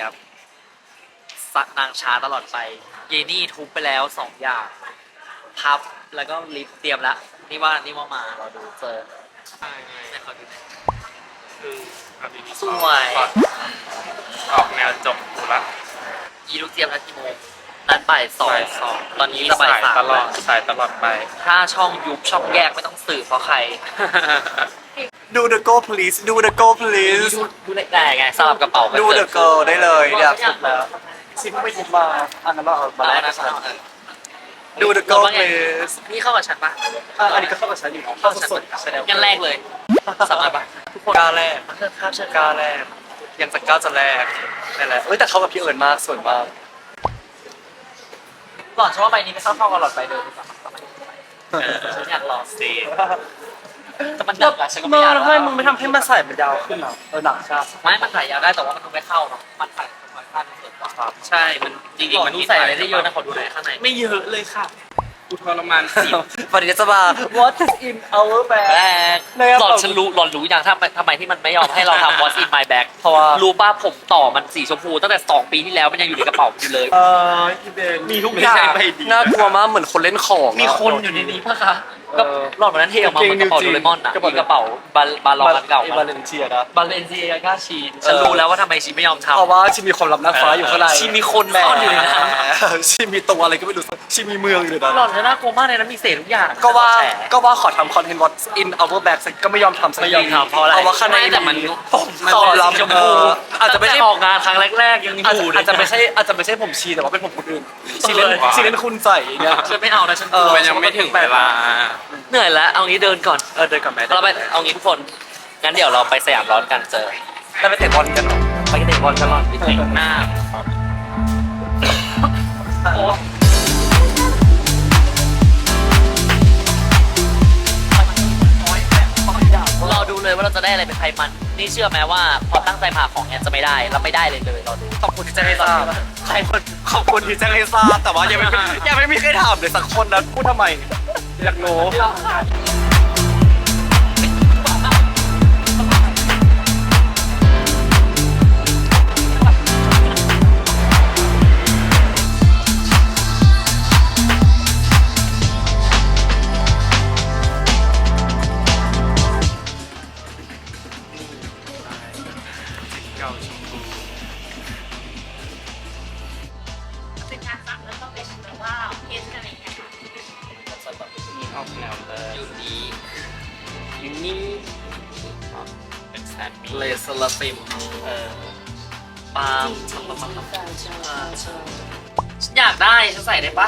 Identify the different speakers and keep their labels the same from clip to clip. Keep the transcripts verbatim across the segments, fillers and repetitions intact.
Speaker 1: ยบสักนางช้าตลอดไปเยนี่ทุบไปแล้วสองอย่างพับแล้วก็ลิฟต์เตรียมแล้วนี่ว่านี่ว่ามาเราดูเจอ
Speaker 2: ใช่ไง
Speaker 1: ให้เขาดูหน่อย
Speaker 2: คือเอาดีๆ
Speaker 1: สวย
Speaker 2: ออกออกแนวจบกูละ
Speaker 1: อีลูกเจียมนัดกี่โมงนัดบ่ายสอง
Speaker 2: บ่ายสอง
Speaker 1: ตอนนี้จะบ่ายสาม
Speaker 2: ตลอดสายตลอดไป
Speaker 1: ถ้าช่องยุบช่องแยกไม่ต้องสืบเพราะใคร
Speaker 3: ดู the go please ดู the go please
Speaker 1: ดูดูได้ไงสลับกระเป๋ากัน
Speaker 3: ดู
Speaker 1: เกิ
Speaker 3: the go ได้เลยเนี่ยสุดแล้วซิมไม่ทิมมาอันนั้นเราเอามา
Speaker 1: มา
Speaker 3: แล
Speaker 1: แล้ว
Speaker 3: กกั
Speaker 1: นะ
Speaker 3: นฉันดู the go please
Speaker 1: นี่เข้ากับฉันปะ
Speaker 3: อ่ะอันนี้ก็เข้ากับฉันอยู่
Speaker 1: เข้ากับฉัน
Speaker 3: สดๆแสดง
Speaker 1: งั้นแรกเลยสามารถปะ
Speaker 3: ทุกคนกล้าแรก
Speaker 1: เพื่อนครับเชิญ
Speaker 3: กล้าแรกยังจะกล้าจะแรกนั่นแหละเอ้ยแต่เขากับพี่เอิญมากสวยมาก
Speaker 1: ก่อนฉันว่าใบนี้ไม่เข้าเข้ากับหลอดใบเดิมดีกว่าฉันอยากลองสิแต่มันหนักอะฉันก็ไม่
Speaker 3: มา
Speaker 1: อยาก
Speaker 3: แล้วทำไมมึงไม่ทำให้มันใส่มันยาวขึ้นอ่ะเออหนักใช่
Speaker 1: ไม่มันใส่ยาวได้แต่ว่ามันไม่เข้าเนาะมันใส่ค่อยๆขั้นเกินกว่า
Speaker 2: ใช่มันจริงๆมัน
Speaker 1: ดูใส่อะไรได้เยอะนะขอดูหน่อยข้างใน
Speaker 2: ไม่เยอะเลยค่ะกูทรมานสิ
Speaker 3: วันนี้จะมา what is in our
Speaker 1: แร
Speaker 3: bag
Speaker 1: กหลอนฉันรู้หลอนรู้อย่างถ้าทำไมที่มันไม่ยอมให้เราทำ What's in my bag
Speaker 3: เพราะว่า
Speaker 1: รู้ป่ะผมต่อมันสีชมพูตั้งแต่สองปีที่แล้วมันยังอยู่ในกระเป๋าอยู่เลย
Speaker 3: เอออีเบนมีทุก
Speaker 2: ไม่
Speaker 3: อย่าง
Speaker 2: ใช่ใบเดียว
Speaker 3: น่ากลัวมากเหมือนคนเล่นของ
Speaker 1: มีคนอยู่ในนี้ป่ะคะก็
Speaker 3: เออ
Speaker 1: หลอนวันนั้นเทออกมาเหมือนกระเป๋าโดเรมอนอะ
Speaker 3: กระเป๋า
Speaker 1: มีกระเป๋าบาบาลอนอันเก่า
Speaker 3: บาเลนเซียนะ
Speaker 1: บาเลนเซียกาชีนฉันรู้แล้วว่าทำไมชีไม่ยอมทำ
Speaker 3: เพราะว่าชิมีความลับนางฟ้าอยู่ข้างใน
Speaker 1: ชีมีคนซ่อนอยู่ในนั้น
Speaker 3: ชิมีตัวอะไรก็ไม่รู้ชิมีเมืองอยู่ในนั้น
Speaker 1: หลอนจะน่ากลัวมากในนั้นมีเศษทุกอย่าง
Speaker 3: ก็ว่า
Speaker 1: แฉ
Speaker 3: ก็ว่าขอทำคอนเทนต์ What's in our bag สักก็ไม่ยอมทำสัก
Speaker 1: ไม่ยอมทำเพราะอะไร
Speaker 3: เพราะว่าข้างใน
Speaker 1: ไม่แต่มัน
Speaker 3: ผม
Speaker 1: มัน
Speaker 3: ความ
Speaker 1: เป็น
Speaker 3: ลับ
Speaker 1: สีชม
Speaker 3: เอ
Speaker 1: พู
Speaker 3: ออาจจะไม่ใช่
Speaker 1: ออกงานครั้งแรกๆยังอ
Speaker 3: อาจ
Speaker 1: ยู่
Speaker 3: อาจจะไม่ใช่อาจจะไม่ใช่ผมชีแต่ว่าเป็นผมคนอื่นชีเล่น
Speaker 1: เออ
Speaker 3: ชีเล่นคุณใส่อย่างเงี้ย
Speaker 1: ฉันไม่เอานะฉันก
Speaker 3: เอ
Speaker 1: ลั
Speaker 3: อ
Speaker 1: ว
Speaker 2: มันยังไม่ถึงเวลา
Speaker 1: เหนื่อยแล้วเอางี้เดินก่อน
Speaker 3: เออเดินกับแม่
Speaker 1: เราไปเอางี้ทุกคนงั้นเดี๋ยวเราไปสยามร้อนกันเจอ
Speaker 3: ได้ไปเตะบอลกันเหรอ
Speaker 1: ไปกันเตะบอลกันหรอนไปเตะหน้าโอ้รอดูเลยว่าเราจะได้อะไรเป็นไทยมันนี่เชื่อไหมว่าพอตั้งใจมาของเนี้ยจะไม่ได้แล้วไม่ได้เลยเลยรอดู
Speaker 3: ขอบคุณที่แจ้งให้ทราบใครคนขอบคุณที่แจ้งให้ทราบแต่ว่ายังไม่ยังไม่มีใครถามเลยสักคนนะพูดทำไมอยากรู้
Speaker 2: เก่าชมพู
Speaker 4: เป็นการสั่งแล้วก็เป็นแบบว่าเอสอะไรอย่างเงี้ยค่ะ
Speaker 2: นี่ออกแนวเลย
Speaker 1: ยูนี
Speaker 2: ยูนี่เป็นแซนด์วิช
Speaker 1: เลสลาฟิม
Speaker 2: เออ
Speaker 1: ปาล์มฉันอยากได้ฉันใส่ได้ปะ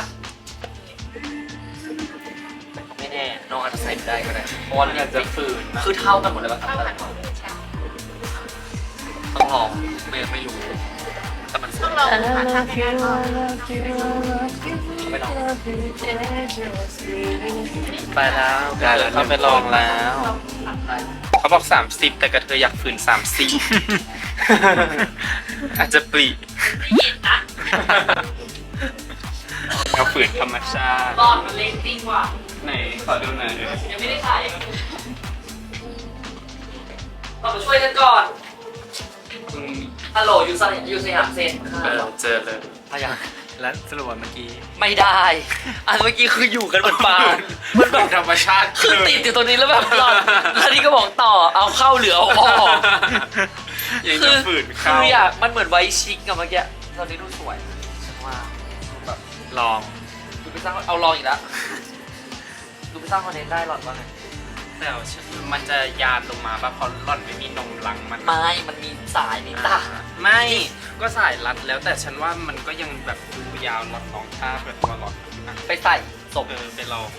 Speaker 1: ไม่แน่น้องอาจจะใส่ไม่ได้ก็ได้เพราะว่า
Speaker 2: อยากจะฝืนนะ
Speaker 1: คือเท่ากันหมดเลยป่ะ
Speaker 4: เท่ากันหมดเลยใช่
Speaker 1: ต้องลองไม่ไม่รู้แต่มันส
Speaker 4: ต้
Speaker 1: ว
Speaker 4: อย งลองหาทางง่ายๆก่อน
Speaker 1: ไปลอง
Speaker 2: ไปแล้วได้แล้วเขาไปลองแล้ว เขาบอกสามสิบแต่กระเทยอยากฝืนสามสิบ อาจจะปลี
Speaker 4: ได้ยินนะ
Speaker 2: เอาฝืนธรรมชาติ
Speaker 1: รอดมันเล็กจริงว่ะ
Speaker 2: ไหนขอดูหน่อย
Speaker 1: ยังไม่ได้ใส่เราไปช่วยกันก่อน
Speaker 2: อืม
Speaker 1: ฮัลโหลอยู่สยามอยู่สยามเซ็น
Speaker 2: เออเจอเลย
Speaker 1: พยา
Speaker 3: และสรุปว่าเมื่อกี้
Speaker 1: ไม่ได้ อันเมื่อกี้คืออยู่กันเหมือนปลามันแบบ
Speaker 2: ธรรมชาติ
Speaker 1: คือติดอยู่ตรงนี้แล้วแบบหลอนแล้วนี่ก็บอกต่อเอาเข้าหรือเอาออก
Speaker 2: ยัง
Speaker 1: คื
Speaker 2: จะ
Speaker 1: อ
Speaker 2: ฝืน
Speaker 1: คื
Speaker 2: เข้า
Speaker 1: ออยากมันเหมือนไวท์ชิคกับเมื่อกี้ตอนนี้ดูสวยฉันว่าดูแบบ
Speaker 2: ลอง
Speaker 1: ดูไปสร้างเอาลองอีกแล้วดูไปสร้างคอนเทนต์ได้หลอนว่าไง
Speaker 2: แต่ว่าฉันมันจะยานลงมาป่ะเพราะหล่อนไม่มีนมรังมัน
Speaker 1: ไม่มันมีสายมีตา
Speaker 2: ไม่ก็สายรัดแล้วแต่ฉันว่ามันก็ยังแบบดูยาวหลอดรองท่าแบบตัวหลอดอ่ะ
Speaker 1: ไปใส่ศพ
Speaker 2: เออไปลอง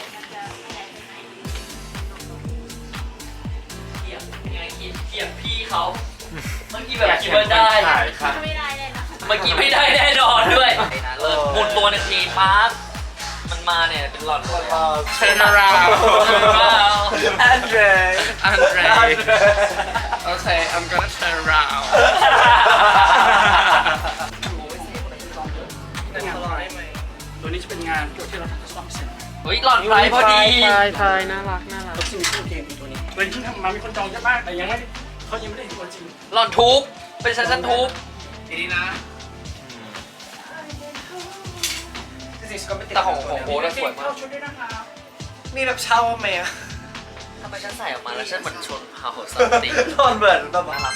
Speaker 1: เทียบยังไงคิดเทียบพี่เขาเมื่อกี้แบบคิดว่าได้
Speaker 2: ขายค่ะ
Speaker 4: ไม่ได้เลยนะ
Speaker 1: เมื่อกี้ไม่ได้แน่นอนด้วยเลิศหมุนตัวในทีปั๊บมันมาเนี่ยเป็นหลอดเลย
Speaker 2: Turn around
Speaker 3: แอนเดร
Speaker 2: Andre Okay I'm gonna turn around ตัวนี้จะเป็นงานเกี่ยวที่เราทำซ่อมเสร็จ
Speaker 1: เฮ้ยหลอดไฟพอดี
Speaker 5: ทายทายน่ารักน่ารัก
Speaker 2: ตัวจริงชื่อเกมตัวนี้ตัวนี้เพิ่งทำมามีคนจองเยอะมากแต่ยังไม่เขายังไม่ได้เห็นตัวจริง
Speaker 1: หลอดทุบเป็นชั้นชั้นทุบ
Speaker 3: ทีนี้นะ
Speaker 1: แต่ของของโบ๊ทสวยมาก
Speaker 3: นี่แบบเช่าไหมอะ
Speaker 1: ทำไมฉันใส่ออกมาแล้วฉันเหมือนชนเผ่าสันติ
Speaker 3: นอนเหมือนแบบ
Speaker 1: น่ารักมาก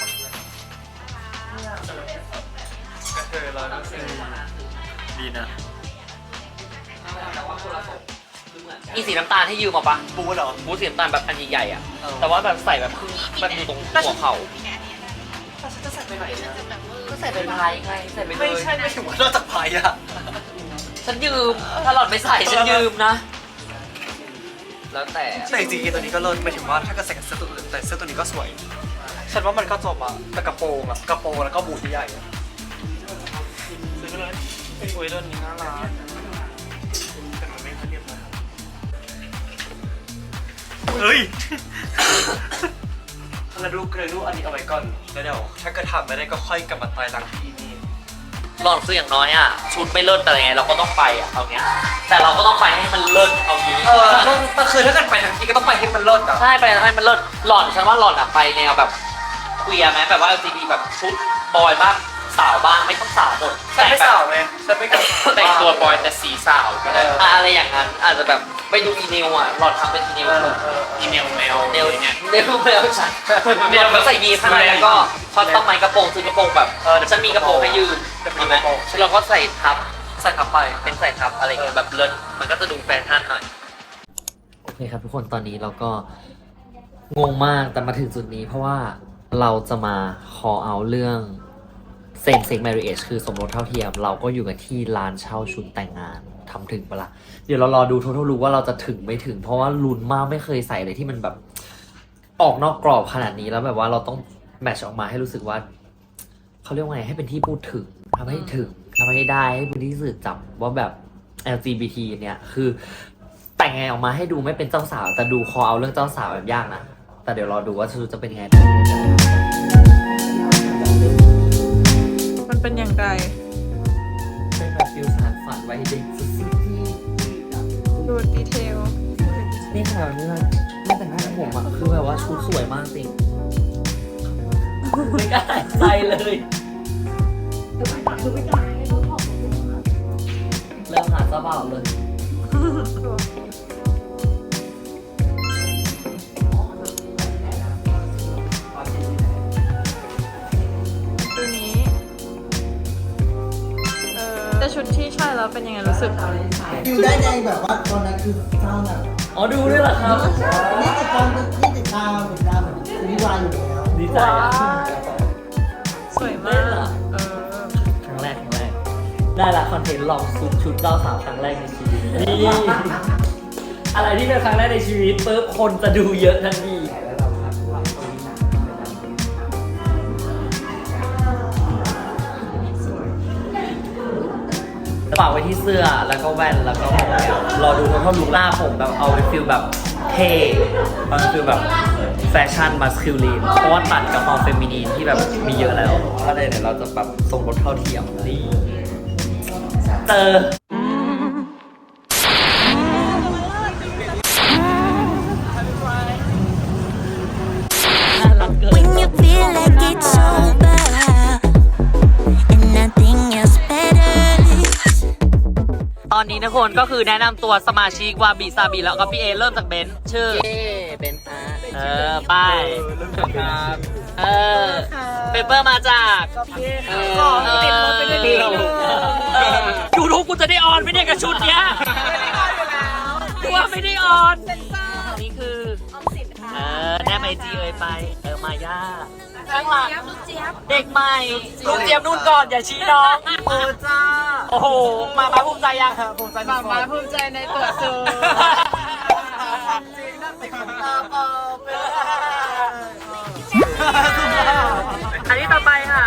Speaker 3: กระเทยร้อยเปอร์เซ็นต์
Speaker 1: ดีนะอีสีน้ำตาลที่ยืมมาปะ
Speaker 3: บู๊เหรอ
Speaker 1: บูธสีน้ำตาลแบบอันใหญ่ๆอ่ะแต่ว่าแบบใส่แบบครึ่งแบบอยู่ตรงหัวเข่า
Speaker 3: ฉันจะใส่ไปไหนเนี่ย
Speaker 1: ก็ใส่เป็นพายไงใส่ไปเลย
Speaker 3: ไม่ใช่ไม่ถึงว่านอกจากพายอะ
Speaker 1: ฉันยืมถ้าหลอดไม่ใส่ฉันยืมนะ แล้วแต่
Speaker 3: แต่จริงๆตัวนี้ก็เลิศไม่ถึงว่าถ้าเกิดใส่กับเสื้อตัวอื่นแต่เสื้อตัวนี้ก็สวย ฉันว่ามันก็จบอะแต่กระโปรงอะกระโปรงแล้วก็บูทที่ใหญ่อะซื้อไปเลยเป็นอุ้ยตัวนี้น่ารักแต่มันไม่ค่อยเรียบร้อยเฮ้ยแล้วดูเลยดูอันนี้เอาไว้ก่อนแล้วเดี๋ยวถ้าเกิดทำไม่ได้ก็ค่อยกลับมาตายหลังที่นี่
Speaker 1: หลอดคืออย่างน้อยอ่ะชุดไม่เลิศแต่ยังไงเราก็ต้องไปอ่ะเอาเงี้ยแต่เราก็ต้องไปให้มันเลิศเอางี้
Speaker 3: เออก็คือถ้าเกิดไปทั้งที่ก็ต้องไปให้มันเลิศอะ
Speaker 1: ใช่ไปให้มันเลิศหลอดฉันว่าหลอดอ่ะไปแนวแบบเคลียร์ไหมแบบว่า แอล จี บี แบบชุดบอยบ้างสาวบ้างไม่ต้องสาวหมด
Speaker 3: ฉันไม่สาวเลยฉันไม่กล้า
Speaker 2: แต่งตัวบอยแต่สีสาวก็ได้
Speaker 1: อ่ะอะไรอย่างนั้นอาจจะแบบไปดูอีเนลอ่ะหลอดทำเป็นอีเนล
Speaker 2: อีเมลแมว
Speaker 1: เนล
Speaker 2: เนี่ย
Speaker 1: เนลเนลฉันเนลแบบใส่ยีนข้างในแล้วก็ช็อตต้นไม้กระโปรงซื้อกระโปรงแบบฉันมีกระโปรงให้ยืมมีไหมเราก็ใส่ทับ
Speaker 3: ใส่ทับไป
Speaker 1: เป็นใส่ทับอะไรเงี้ยแบบเลิศมันก็จะดูแฟชั่นหน่อยโอเคครับทุกคนตอนนี้เราก็งงมากแต่มาถึงจุดนี้เพราะว่าเราจะมา call out เรื่อง same sex marriage คือสมรสเท่าเทียม เราก็อยู่กันที่ร้านเช่าชุดแต่งงานทำถึงปะละ่ะเดี๋ยวเรารอดูทั้งรู้ว่าเราจะถึงไม่ถึง เพราะว่าลุ้นมากไม่เคยใส่อะไรที่มันแบบออกนอกกรอบขนาดนี้แล้วแบบว่าเราต้องแมทช์ออกมาให้รู้สึกว่าเขาเรียกว่าไงให้เป็นที่พูดถึงทำให้ถึงทำให้ได้ให้เป็นที่สื่อจับว่าแบบ แอล จี บี ที เนี่ยคือแต่งไงออกมาให้ดูไม่เป็นเจ้าสาวแต่ดูคอเอาเรื่องเจ้าสาวแบบยากนะแต่เดี๋ยวรอดูว่าชุดจะเป็นยังไง
Speaker 5: มันเป็นอย่างไร
Speaker 1: เป็นแบบฟิลสารฝันไว้เด็กสุดๆที่
Speaker 5: ดูดีเทล
Speaker 1: นี่ขนาดนี้เลยไม่แต่งหน้าผมอ่ะคือแบบว่าชุดสวยมากจริงไม่กล้าใส่เลยเริ่มหาเจ้าบ่าวเลย
Speaker 5: ตัวนี้ เออแต่ชุดที่ใช่แล้วเป็นยังไงรู้สึก
Speaker 6: อยู่ได้ในแบบว่าตอนนั้นคือเศร้าหนัก
Speaker 1: อ๋อดูด้วยเหรอครับ
Speaker 6: นี่ติดตามนี่ติดตามติดตามแบบซีรีส์วายอยู่แล้ว
Speaker 1: ดีใจ
Speaker 5: ว้า
Speaker 1: อะ
Speaker 5: สวยมาก เออ
Speaker 1: ครั้งแรกครั้งแรกได้ละคอนเทนต์ลองซุปชุดเจ้าสาวครั้งแรกในชีวิตนี่อะไรที่เป็นครั้งแรกในชีวิตปุ๊บคนจะดูเยอะทันทีฝากไว้ที่เสื้อแล้วก็แว่นแล้วก็ผมเนี่ยรอดูทั้งท่อนลุคหน้าผมแบบเอาเป็นฟิลแบบเท่เอาเป็นฟิลแบบแฟชั่นมาสคิลลีนเพราะว่าตัดกับความเฟมินีนที่แบบมีเยอะแล้วก็เลยเนี่ยเราจะแบบทรงรถเท่าเทียมนี่เจอ
Speaker 7: When you feel like it's over and nothing else matters.
Speaker 1: ตอนนี้นะคนก็คือแนะนำตัวสมาชิกวาบิซาบิแล้วก็พี่เอเริ่มจากเบนซ์ชื่อเอเบนซ์เออไป้ายเออเปเปอร์มาจากเออ
Speaker 5: ติดรถไปด้วยนิดนึง
Speaker 1: ยูทูบกูจะได้ออนไม่ได้กับชุดเนี้ยกูว่าไม่ได้ออนนี่คือเออแนบไอจีเอ่ยไปเออมาย่าข้างหลังเด็กใหม่ลูกเจี๊ยบนู่นก่อนอย่าชี้น้องเออจ้าโอ้โหมามาภูมิใจยังภูมิใจ
Speaker 5: มามาภูมิใจในตัวซู
Speaker 3: จริงนั่นเป็นคนตาเปล่าเป็น
Speaker 1: อันนี้ต่อไปค่ะ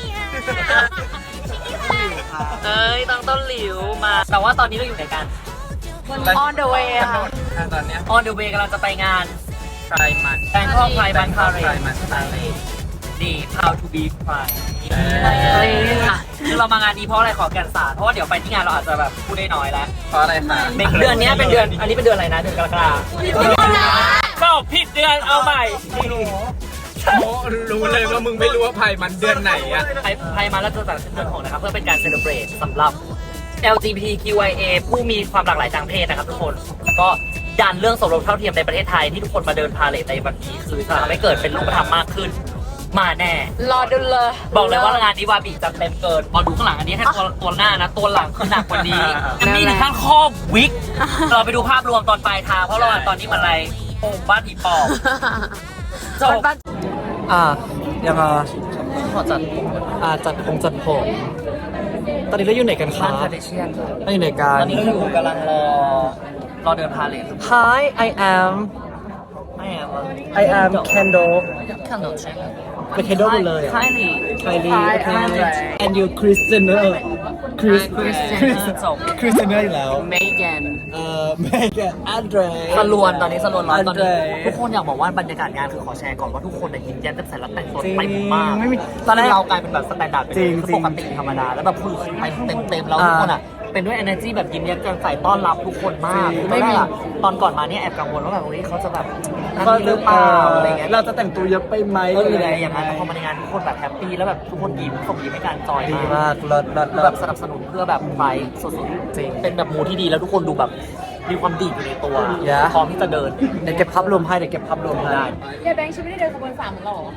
Speaker 1: เอ้ยต้องต้นหลิวมา แต่ว่าตอนนี้เราอยู่ไหนกัน
Speaker 5: on the way ค่ะ
Speaker 2: ตอนเนี้ย
Speaker 1: on the way กำลังจะไปงาน
Speaker 2: ไพรมัน
Speaker 1: แบงคอกไพร์บันพาเร
Speaker 2: ไพร
Speaker 1: ด
Speaker 2: มัน
Speaker 1: นี่ how to be pride อ่ะคือเรามางานนี้เพราะอะไรขอแก่นสารเพราะว่าเดี๋ยวไปที่งานเราอาจจะแบบพูดได้น้อยแล้ว
Speaker 2: เพราะอะไรคะ
Speaker 1: เดือนนี้เป็นเดือน อันนี้เป็นเดือนอะไรนะ เดือนกรกฎาคมก็ผิดเดือนเอาใหม่
Speaker 2: รู้เลยว่ามึงไม่รู้ว่าไพ่มันเดือนไหนอะ
Speaker 1: ไพ่ไพ่มาแล้วเจอแต่ขึ้นเดือนหกนะครับเพื่อเป็นการเซเลบรตสำหรับ แอล จี บี ที คิว ไอ เอ ผู้มีความหลากหลายทางเพศนะครับทุกคนก็ดันเรื่องสมรสเท่าเทียมในประเทศไทยที่ทุกคนมาเดินพาเลทในวันนี้คือจะทำให้เกิดเป็นรูปธรรมมากขึ้นมาแน่
Speaker 5: รอดูเลย
Speaker 1: บอกเลยว่างานนี้วาบิจัดเต็มเกินพอดูข้างหลังอันนี้แค่ตัวตัวหน้านะตัวหลังคือหนักกว่านี้จะมีถึงขั้นครอบวิกเราไปดูภาพรวมตอนปลายทางเพราะเราตอนนี้มันอะไรโป่งบ้านผีปอบจบ
Speaker 3: อ่ายังไง
Speaker 1: ขอจัด
Speaker 3: อ่าจัดผมจัดผมตอนนี้เราอยู่ไหนกันค
Speaker 1: บ้า
Speaker 3: รั
Speaker 1: น
Speaker 3: บ
Speaker 1: คาเดเชียน
Speaker 3: เราอยู่ไหนกั
Speaker 1: ต
Speaker 3: น
Speaker 1: อนนี้เราอยู่กำลังรอรอเดินพาเลท
Speaker 3: Hi I am
Speaker 1: ไม่อะ
Speaker 3: I am Kendall
Speaker 1: ขนมใช่ไหม
Speaker 3: เป็น Kendall หมดเลยอ่ะ
Speaker 1: ใช่ดิ
Speaker 3: Kylie
Speaker 1: Hi,
Speaker 3: okay
Speaker 1: I'm
Speaker 3: and you Chris Jenner Chris
Speaker 1: Kris Jenner จบ
Speaker 3: Chris Jenner อยู่แล้ว
Speaker 5: Megan
Speaker 3: เอ่อ Megan Andre
Speaker 1: สลวนตอนนี้สลวนร้อนตอนนี้
Speaker 3: Andre
Speaker 1: ทุกคนอยากบอกว่าบรรยากาศงานคือขอแชร์ก่อนว่าทุกคนเนี่ยยิ้มแย้มแจ่มใสและแต่งตัว
Speaker 3: จริง
Speaker 1: ไปมาก
Speaker 3: ไม่มี
Speaker 1: ตอนแรกเรากลายเป็นแบบสแตนดาร์ดไปเลย
Speaker 3: จริง
Speaker 1: คือปกติธรรมดาแล้วแบบคือไปเต็มเต็มๆแล้ว
Speaker 3: อ่า
Speaker 1: ทุกคนอ่ะเป็นด้วย energy แบบยิ้มแย้มแจ่มใสต้อนรับทุกคนมาก
Speaker 3: จริง
Speaker 1: คือไม่มีอะตอนก่อนมาเนี่ยแอบกังวลว่าแบบเฮ้ยเขาจะแบบนั่นนี่หรือเปล่าอะไรเงี้ย
Speaker 3: เราจะแต่งตัวเยอะไปไหม
Speaker 1: เอออะไรอย่างนั้นแต่พอมาในงานทุกคนแบบแฮปปี้แล้วแบบทุกคนยิ้มส่งยิ้มให้การจอย
Speaker 3: ดี
Speaker 1: มาก
Speaker 3: มากเลิศเลิศ
Speaker 1: คือ
Speaker 3: เลิ
Speaker 1: แบ
Speaker 3: ศ
Speaker 1: บสนับสนุนเพื่อแบบไฟสุดๆจริงเป็นแบบมูที่ดีแล้วทุกคนดูแบบมีความดีอยู่ในตัว
Speaker 3: Yeah
Speaker 1: พร้อมที่จะเดิน
Speaker 3: เดี๋ยวเก็บภาพรวมให้เดี๋ยวเก็บภาพรวมให้
Speaker 1: ได้
Speaker 5: ยายแบงค์ฉันไม่ได้เดินขบวนสามเหมือนเราเหรอ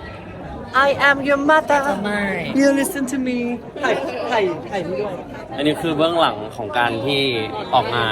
Speaker 3: I am your mother
Speaker 1: ไม่
Speaker 3: you listen to me ถ่ายถ่ายถ่ายนี่ด้วย
Speaker 8: อันนี้คือเบื้องหลังของการที่ออกงาน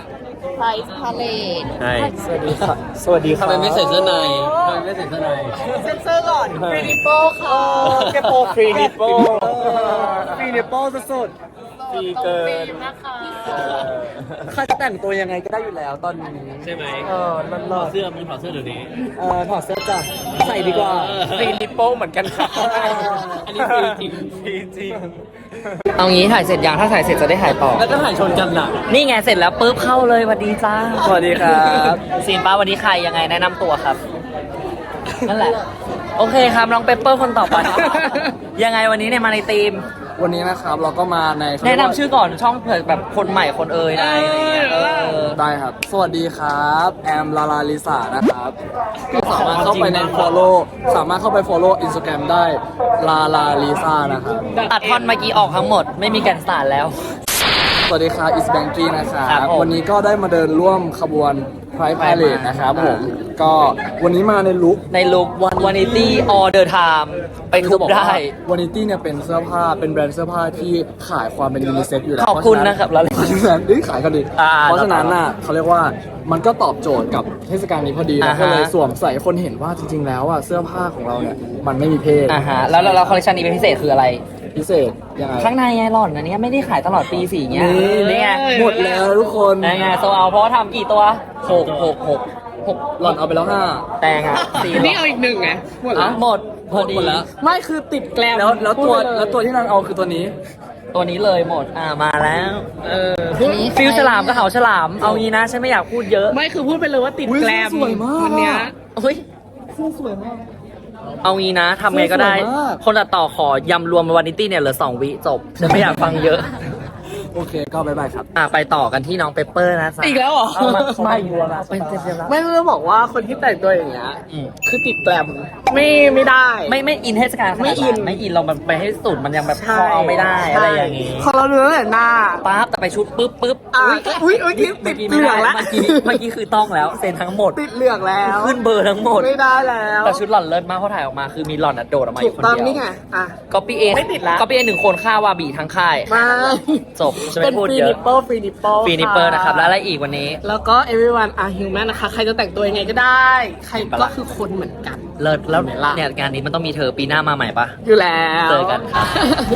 Speaker 5: Price Parade
Speaker 8: ใช่
Speaker 3: สวัสดีค่ะสวัสดีค่ะ
Speaker 8: ทำไมไม่ใส่เสื้อในทำไมไม่ใส่เสื้อใน
Speaker 5: เซ็นเซอร์ก่อน
Speaker 3: ฟรีนิโป้ค่ะแกโปฟรีนิโป้ฟรีนิโป้สุดๆฟรีเกิน
Speaker 5: นะคะ
Speaker 3: ข้าจะแต่งตัวยังไงก็ได้อยู่แล้วตอนนี้
Speaker 8: ใช่ไหม
Speaker 3: เออนั่น
Speaker 8: ถ
Speaker 3: เล
Speaker 8: อด
Speaker 3: ย
Speaker 8: เสื้อมึงถอดเสื้อเดี๋ยวนี้
Speaker 3: เออถอดเสื้อจ้ะใส่ดีกว่า
Speaker 8: ฟรีนิปโป้เหมือนกันครับอันนี้ฟรีจริงฟรีจริง
Speaker 1: เอางี้ถ่ายเสร็จยังถ้าถ่ายเสร็จจะได้ถ่ายต่อ
Speaker 8: แล้วก็ถ่ายชนกันน่ะ
Speaker 1: นี่ไงเสร็จแล้วปุ๊บเข้าเลยสวัสดีจ้า
Speaker 3: สวัสดีครับ
Speaker 1: ซีนป้าวันนี้ใครยังไงแนะนำตัวครับ นั่นแหละ โอเคครับน้องเปปเปอร์คนต่อไป ยังไงวันนี้เนี่ยมาในทีม
Speaker 3: วันนี้นะครับเราก็มาใน
Speaker 1: แนะนำชื่อก่อนช่องเผื่อแบบคนใหม่คนเอ่ยได้อะไรเงี้ยเออ
Speaker 3: ได้ครับ สวัสดีครับแอมลาลาลิสานะครับก็สามารถเข้าไปใน follow สามารถเข้าไป follow Instagram ได้ลาลาลิซานะครับ
Speaker 1: ตัดท่อนเมื่อกี้ออกทั้งหมด ไม่มีแกนสารแล้ว
Speaker 3: สวัสดีครับอิสแบงกี้นะครั
Speaker 1: ครับ บผม
Speaker 3: วันนี้ก็ได้มาเดินร่วมขบวน Pride Parade นะครับผม ก็วันนี้มาในลุค
Speaker 1: ในลุควันนิตี้ออเดอร์ไทม์ไปทุบได้
Speaker 3: วานิตี้เนี่ยเป็นเสื้อผ้าเป็นแบรนด์เสื้อผ้าที่ขายความเป็นยูนิเซ็กอยู่แล้ว
Speaker 1: ขอบคุณนะครับ
Speaker 3: เพราะฉะนั้นเพราะฉะนั้นเอ้ยขายกันดิ
Speaker 1: อ่า
Speaker 3: เพราะฉะนั้นน่ะเขาเรียกว่ามันก็ตอบโจทย์กับเทศกาลนี้พอดีเรา
Speaker 1: อ่าฮะ
Speaker 3: ก็เลยสวมใส่ให้คนเห็นว่าจริง ๆ แล้วอ่ะเสื้อผ้าของเราเนี่ยมันไม่มีเพศ
Speaker 1: อ่าฮะแล้วแล้วแล้วคอลเลคชันนี้เป็นพิเศษคืออะไร
Speaker 3: พิเศษยังไง
Speaker 1: ข้างในไงหล่อนอันเนี้ยไม่ได้ขายตลอดปีสี่เงี้ย
Speaker 3: นี่
Speaker 1: นี่ไง
Speaker 3: หมดแล้วทุกคน
Speaker 1: นี่ไงโซเอาเพราะว่าทำกี่ตัวหกหกหกหก
Speaker 3: หล่อนเอาไปแล้วห้า
Speaker 1: แตงอ่ะสี่
Speaker 5: นี่เอาอีกหนึ่งไง
Speaker 1: หมดแล้วหมดพอดี
Speaker 3: หมดแล้ว
Speaker 5: ไม่คือติดแกลม
Speaker 3: แล้วแล้วตัว
Speaker 5: พูดไปเย
Speaker 3: แล้วตัวที่นางเอาคือตัวนี้
Speaker 1: ตัวนี้เลยหมดอ่ามาแล้ว
Speaker 5: เออ
Speaker 1: ฟิลฉลามกับเขาฉลามเอางี้นะฉันไม่อยากพูดเยอะ
Speaker 5: ไม่คือพูดไปเลยว่าติด
Speaker 3: อุ๊ย
Speaker 5: แกลม
Speaker 3: สวยมาก
Speaker 5: วันเนี้ย
Speaker 1: เฮ้ย
Speaker 3: สวยมาก
Speaker 1: เอางี้นะทำไงก็ได้
Speaker 3: สวยมาก
Speaker 1: คนตัดต่อขอยำรวมวานิตี้เนี่ยเหลือสองวิจบฉันไม่อยากฟังเยอะ
Speaker 3: โอเคก็บายบายครับ
Speaker 1: อ่ะไปต่อกันที่น้องเปเปอร์นะจ๊ะ
Speaker 5: อีกแล้วเหรอ
Speaker 1: เอามาไม่รวมเป็นเต็มแล้ว
Speaker 5: ไม่ไม่ต้องบอกว่าคนที่แต่งตัวอย่างเงี้ย
Speaker 1: อืม
Speaker 5: คือติดแกลมไม่ไม่ได้
Speaker 1: ไม่ไม่อินเทศกาลขนาด
Speaker 5: ไม่อิน
Speaker 1: ไม่อินเรามันไปให้สุดมันยังแบบพอเอาไม่ได้อะไรอย่างงี้
Speaker 5: พอเราดูตั้งแต่หน้า
Speaker 1: ปั๊บแต่ไปชุดปุ๊บปุ๊บ
Speaker 5: อ่ะอุ้ยอุ้ยติด
Speaker 1: เมื่อกี้
Speaker 5: เห
Speaker 1: ไม่
Speaker 5: ลื
Speaker 1: ได้
Speaker 5: องแล้ว
Speaker 1: เมื่อกี้เมื่อกี้คือต้องแล้วเซ็นทั้งหมด
Speaker 5: ติดเหลืองแล้ว
Speaker 1: ขึ้นเบอร์ทั้งหมด
Speaker 5: ไม่ได้แล้ว
Speaker 1: แต่ชุดหล่อนเลิศมากเพราะถ่ายออกมาคือมีหล่อนอะโดดออกมาอ
Speaker 5: ถู
Speaker 1: ยู่
Speaker 5: ก
Speaker 1: คน
Speaker 5: ต้อง
Speaker 1: เดียว
Speaker 5: นี่ไงอ่ะ
Speaker 1: ก็ปีเอ
Speaker 5: ไม่ติดละ
Speaker 1: ก็ปีเอหนึ่งคนฆ่าวาบีทั้งค่าย
Speaker 5: มา
Speaker 1: จบจะ
Speaker 5: เป็
Speaker 1: ไม่
Speaker 5: น
Speaker 1: พูด
Speaker 5: ฟรี
Speaker 1: เย
Speaker 5: นิ
Speaker 1: อะ
Speaker 5: ปเปิลฟรีนิปเปิล
Speaker 1: ฟีนิเปอร์นะครับแล้วอะไรอีกวันนี้
Speaker 5: แล้วก็ everyone are human นะคะ ใครจะแต่งตัวยังไงก็ได้ ใครก็คือคนเหมือนกัน
Speaker 1: เลิศแล้ว
Speaker 5: เห็นไหมล่ะ
Speaker 1: เนี่ยงานนี้มันต้องมีเธอปีหน้ามาใหม่ปะ
Speaker 5: อยู่แล้ว
Speaker 1: เจอกันครับโอเค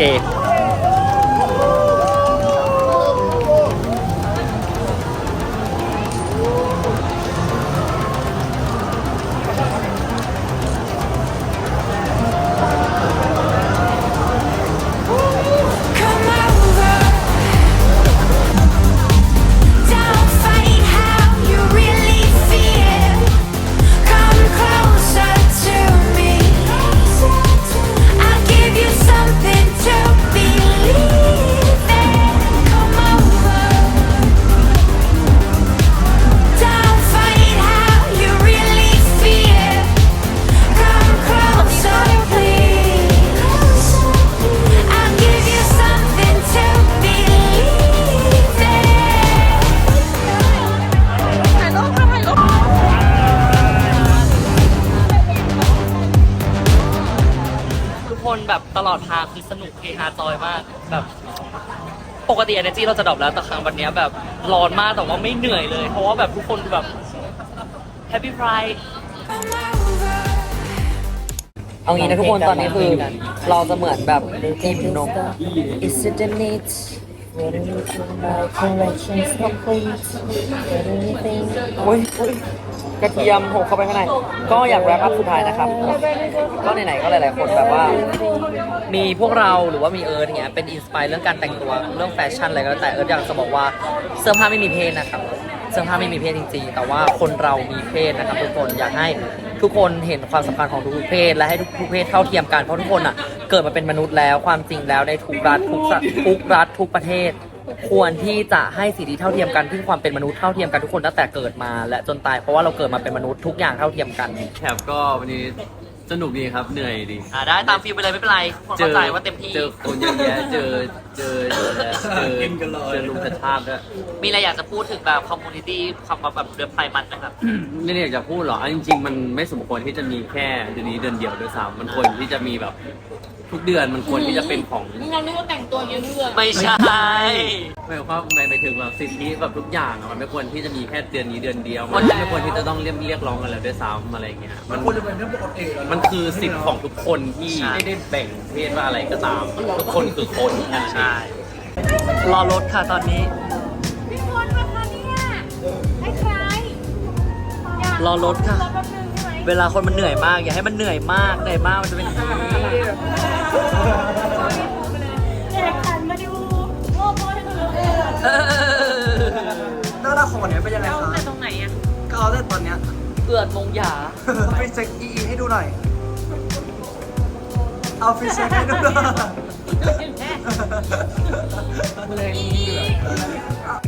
Speaker 7: Come over. Don't fight how you really feel. Come closer to me. I'll give you something to be
Speaker 1: ฮาจอยมากแบบปกติ energy เราจะดรอปแล้วแต่ครั้งวันเนี้ยแบบร้อนมากแต่ว่าไม่เหนื่อยเลย เพราะว่าแบบทุกคนแบบ happy pride
Speaker 7: Come over.
Speaker 1: เอางี้นะทุกคนตอนนี้คือเราจะเหมือนแบบทีมนก Is it the needอุ้ยอุ๊ยกระเทียมโผล่เข้าไปข้างในก็อยากแรปอัพสุดท้ายนะครับ ก็ไหนๆก็หลายๆคนแบบว่า มีพวกเราหรือว่ามีเอิร์ธเงี้ยเป็นอินสปายเรื่องการแต่งตัวเรื่องแฟชั่นอะไรก็แล้วแต่เอิร์ธอยากจะบอกว่าเสื้อผ้าไม่มีเพศนะครับเสื้อผ้าไม่มีเพศจริงๆแต่ว่าคนเรามีเพศนะครับทุกคนอยากให้ทุกคนเห็นความสำคัญของทุกๆเพศและให้ทุกๆเพศเท่าเทียมกันเพราะทุกคนอ่ะเกิดมาเป็นมนุษย์แล้วความจริงแล้วในทุกรัฐทุกสทุกรัฐทุกประเทศ ควรที่จะให้สิทธิเท่าเทียมกันที่ความเป็นมนุษย์เท่าเทียมกันทุกคนตั้งแต่เกิดมาและจนตายเพราะว่าเราเกิดมาเป็นมนุษย์ทุกอย่างเท่าเทียมกัน
Speaker 8: แคปก็วันนี้สนุกดีครับเหนื่อยดี
Speaker 1: อ่าได้ตามฟิลไปเลยไม่เป็นไรคนเข้าใจว่าเต็มที่
Speaker 8: เจอคนเยอะแยะเจอเจอเจอแล้วเจอเจอลุงกระชาบด้วย
Speaker 1: มีอะไรอยากจะพูดถึงแบบคอมมูนิตี้คำว่าแบบเดือนไพมันนะครับ
Speaker 8: ไม่ได้อยากจะพูดหรอกอันจริง ๆ มันไม่สมควรที่จะมีแค่เดือนนี้เดือนเดียวด้วยซ้ำมันควรที่จะมีแบบทุกเดือนมันควรที่จะเป็นของ
Speaker 5: เรานึกว่าแต่งตัวเยอะเรื่อง
Speaker 1: ไม่ใช่
Speaker 8: หมายความหมายถึงแบบสิทธิแบบทุกอย่างอะมันไม่ควรที่จะมีแค่เดือนนี้เดือนเดียว มันไม่ควรที่จะต้องเรียกเรียกร้องกันแล้วด้วยซ้ำอะไรเงี้ยมันควรจะเป็นเรื่องปกติมันคือสิทธิ์ของทุกคนที่
Speaker 1: ใช่
Speaker 8: ไม่ได้แบ่งเพศว่าอะไรก็ตาม ทุกคนคือคนแค่นั้นเอง
Speaker 1: ใช่รอรถค่ะตอนนี้
Speaker 4: พี่พลมาคะเนี่ยคล้ายๆอยาก
Speaker 1: รอรถค่ะ
Speaker 4: รอแป๊บนึงใช่ไหม
Speaker 1: เวลาคนมันเหนื่อยมาก อย่าให้มันเหนื่อยมากเหนื่อยมากมันจะเป็นอย่างนี้
Speaker 4: เด็กหันมาดูโอ้โหให้ดูเลย
Speaker 1: เออ
Speaker 3: หน้าตาของวันนี้เป็นยังไง
Speaker 4: เอา
Speaker 3: คะ
Speaker 4: แต่ตรงไหนอะ
Speaker 3: ก็เอาได้ตอนเนี้ย
Speaker 1: เอือดมงหยา
Speaker 3: ไปเช็คอีให้ดูหน่อย เอาฟิชเช็คให้ดูหน่อย
Speaker 1: เลย